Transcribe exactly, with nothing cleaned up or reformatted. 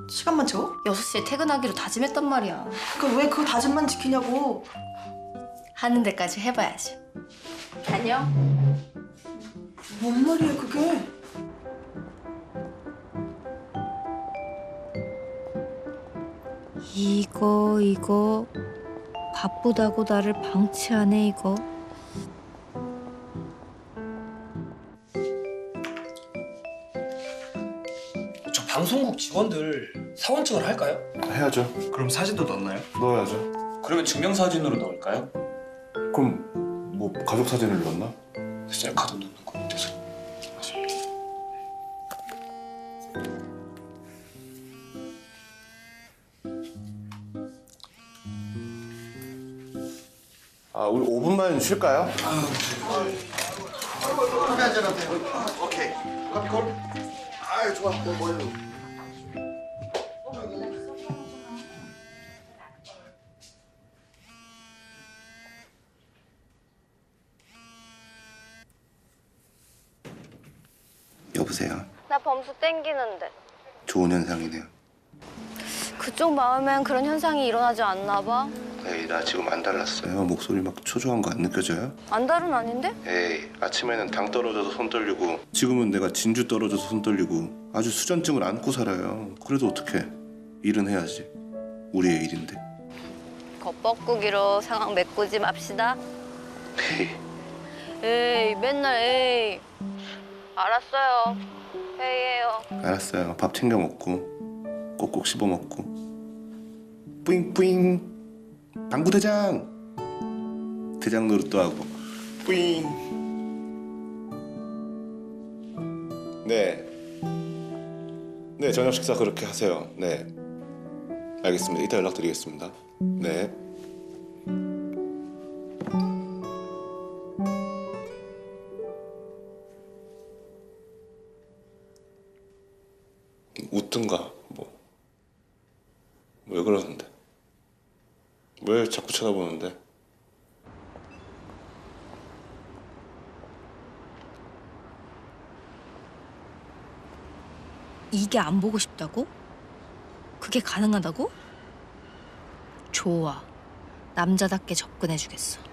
시간만 채워? 여섯 시에 퇴근하기로 다짐했단 말이야. 그러니까 왜 그 다짐만 지키냐고. 하는 데까지 해봐야지. 안녕. 뭔 말이야 그게? 이거 이거 바쁘다고 나를 방치하네 이거. 저 방송국 직원들 사원증을 할까요? 해야죠. 그럼 사진도 넣나요? 넣어야죠. 그러면 증명사진으로 넣을까요? 그럼 뭐 가족 사진을 넣나? 셀카도 넣는 거 같아서. 아, 우리 오 분만 쉴까요? 커피 한잔 하세요. 오케이. 커피 콜. 아유 좋아. 뭐 뭐요? 여보세요. 나 범수 땡기는데. 좋은 현상이네요. 그쪽 마음엔 그런 현상이 일어나지 않나 봐. 에이, 나 지금 안 달랐어요. 목소리 막 초조한 거 안 느껴져요? 안달은 아닌데? 에이, 아침에는 당 떨어져서 손 떨리고 지금은 내가 진주 떨어져서 손 떨리고 아주 수전증을 안고 살아요. 그래도 어떡해. 일은 해야지. 우리의 일인데. 겉벗고기로 상황 메꾸지 맙시다. 에이, 에이 맨날 에이. 알았어요. 회의해요. 알았어요. 밥 챙겨 먹고 꼭꼭 씹어 먹고 뿌잉뿌잉 당구대장 대장 노릇도 하고 뿌잉. 네. 네, 저녁 식사 그렇게 하세요. 네. 알겠습니다. 이따 연락드리겠습니다. 네. 웃든가 뭐. 왜 그러는데? 왜 자꾸 쳐다보는데? 이게 안 보고 싶다고? 그게 가능하다고? 좋아. 남자답게 접근해주겠어.